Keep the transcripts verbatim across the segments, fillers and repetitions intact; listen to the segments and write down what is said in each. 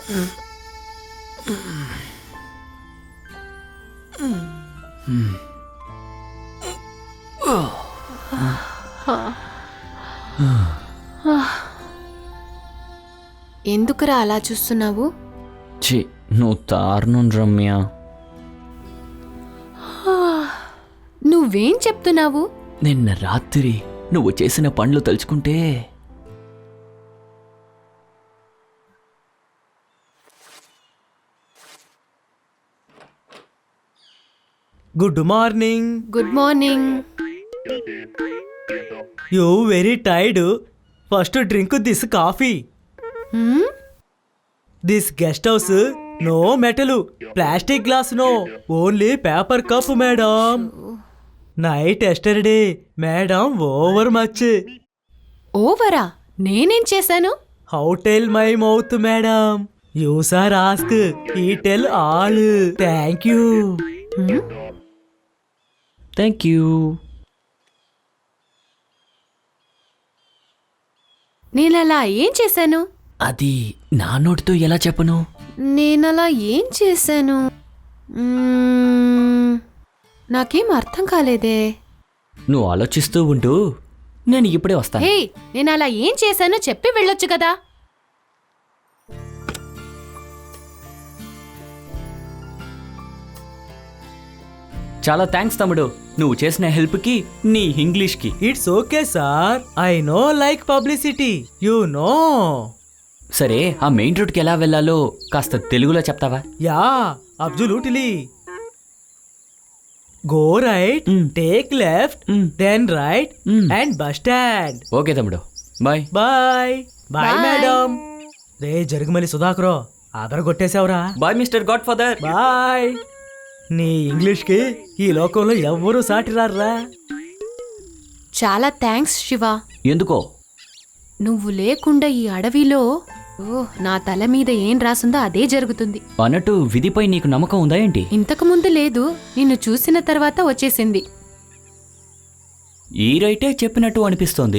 ఎందుకురా అలా చూస్తున్నావు? చి నువ్వు దారుణం రమ్య. నువ్వేం చెప్తున్నావు? నిన్న రాత్రి నువ్వు చేసిన పనులు తలుచుకుంటే good morning. Good morning. You very tired. First drink this coffee. This guest house no metal, plastic glass no, only paper cup madam. Night yesterday madam over much. ఓవరా? నేనేం చేశాను? How tell my mouth madam? You sir ask, I tell all. Thank you. Thank you. నేనలా ఏం చేశాను? అది నా నోటితో ఎలా చెప్పను? నేనలా ఏం చేశాను? మ్మ్, నాకేం అర్థం కాలేదే. నువ్వు ఆలోచిస్తూ ఉంటూ నేను ఇప్పుడే వస్తాను. హే, నేనలా ఏం చేశానో చెప్పి వెళ్ళొచ్చు కదా. చాలా థ్యాంక్స్ తమ్ముడు, నువ్వు చేసిన హెల్ప్కి నీ ఇంగ్లీష్కి. It's okay sir, I no like publicity, you know. సరే, ఆ మెయిన్ రోడ్కి ఎలా వెళ్ళాలో కాస్త తెలుగులో చెప్తావా? Yeah, absolutely. Go right, take left, then right and bus stand. Okay తమ్ముడు, బాయ్. Bye bye madam. రే జరుగుమలి సుధాకరో, ఆధార్ కొట్టేశావురా. Bye mister godfather. Bye. నీ ఇంగ్లీష్కి ఈ లోకంలో ఎవ్వరూ సాటిరారా. చాలా థ్యాంక్స్ శివ. ఎందుకో? నువ్వు లేకుండా ఈ అడవిలో ఓ నా తల మీద ఏం రాసుందో అదే జరుగుతుంది. అన్నట్టు విధిపై నీకు నమ్మకం ఉందా ఏంటి? ఇంతకు ముందు లేదు, నిన్ను చూసిన తర్వాత వచ్చేసింది. ఈ రైటే చెప్పినట్టు అనిపిస్తోంది.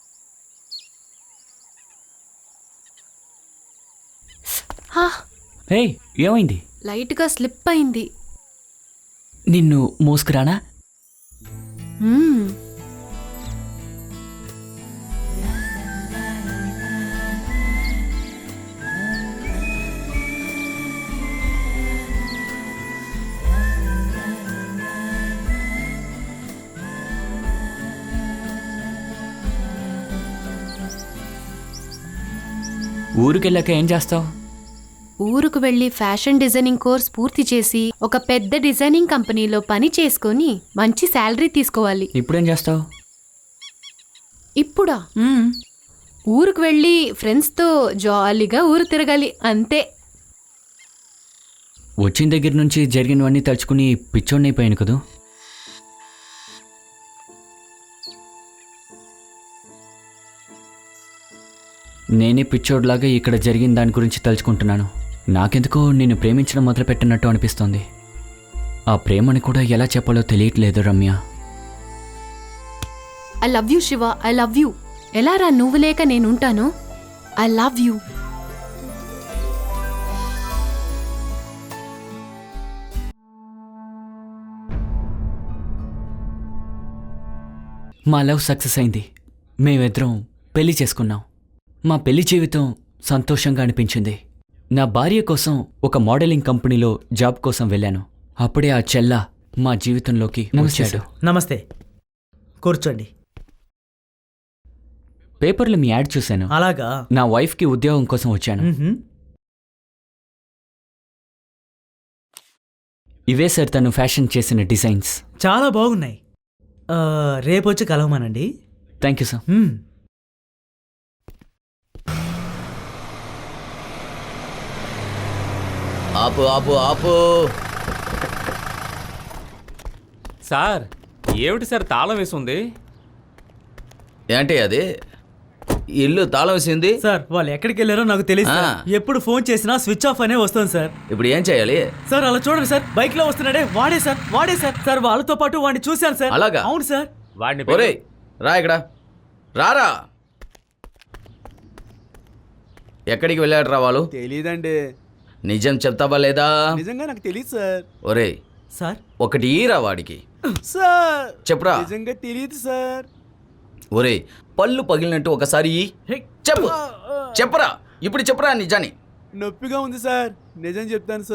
హే, ఏమైంది? లైట్గా స్లిప్ అయింది. నిన్ను మోసుకురానా? మ్మ్. ఊరికెళ్ళాక ఏం చేస్తావు? ఊరుకు వెళ్లి ఫ్యాషన్ డిజైనింగ్ కోర్స్ పూర్తి చేసి ఒక పెద్ద డిజైనింగ్ కంపెనీలో పని చేసుకొని మంచి శాలరీ తీసుకోవాలి. ఇప్పుడేం చేస్తావు? ఇప్పుడా? ఊరుకు వెళ్ళి ఫ్రెండ్స్తో జాలీగా ఊరు తిరగాలి, అంతే. వచ్చిన దగ్గర నుంచి జరిగినవన్నీ తలుచుకుని పిచ్చోడినైపోయాను కదూ. నేనే పిచ్చోడ్లాగా ఇక్కడ జరిగిన దాని గురించి తలుచుకుంటున్నాను. నాకెందుకో నిన్ను ప్రేమించడం మొదలుపెట్టినట్టు అనిపిస్తోంది. ఆ ప్రేమని కూడా ఎలా చెప్పాలో తెలియట్లేదు Ramya. I love you Shiva, I love you. ఎలా రా, నువ్వు లేక నేనుంటాను. I love you. మా లవ్ సక్సెస్ అయింది. మేమిద్దరం పెళ్లి చేసుకున్నాం. మా పెళ్లి జీవితం సంతోషంగా అనిపించింది. నా భార్య కోసం ఒక మోడలింగ్ కంపెనీలో జాబ్ కోసం వెళ్ళాను. అప్పుడే ఆ చెల్ల మా జీవితంలోకి వచ్చాడు. నమస్తే, కూర్చోండి. పేపర్లో మీ యాడ్ చూశాను. అలాగా? నా వైఫ్కి ఉద్యోగం కోసం వచ్చాను. ఇవే సార్ తను ఫ్యాషన్ చేసిన డిజైన్స్. చాలా బాగున్నాయి. రేపొచ్చి కలవమానండి. Thank you sir. ఆపు ఆపు ఆపు. సార్, ఏమిటి సార్ తాళం వేసింది? ఏంటి అది? ఇల్లు తాళం వేసింది సార్. వాళ్ళు ఎక్కడికి వెళ్ళారో నాకు తెలియదు. ఎప్పుడు ఫోన్ చేసినా స్విచ్ ఆఫ్ అనే వస్తుంది సార్. ఇప్పుడు ఏం చేయాలి? సార్ అలా చూడండి సార్, బైక్ లో వస్తున్నాడే వాడే సార్, వాడే సార్. సార్ వాళ్ళతో పాటు వాడిని చూశాను సార్. అలాగా? అవును సార్. వాడిని ఒరేయ్ రా, ఇక్కడ రారా. ఎక్కడికి వెళ్ళాడురా వాళ్ళు? తెలీదండి. నిజం చెప్తావా లేదా? నిజంగా నాకు తెలియదు సార్. ఒరే సార్ ఒకటి ఈరా వాడికి. సార్ చెప్పురా. నిజంగా తెలియదు సార్. ఒరే పళ్ళు పగిలినట్టు ఒకసారి ఇయ్యి. చెప్పు చెప్పరా ఇప్పుడు చెప్పరా నిజాన్ని. నొప్పిగా ఉంది సార్. నిజం చెప్తాను సార్.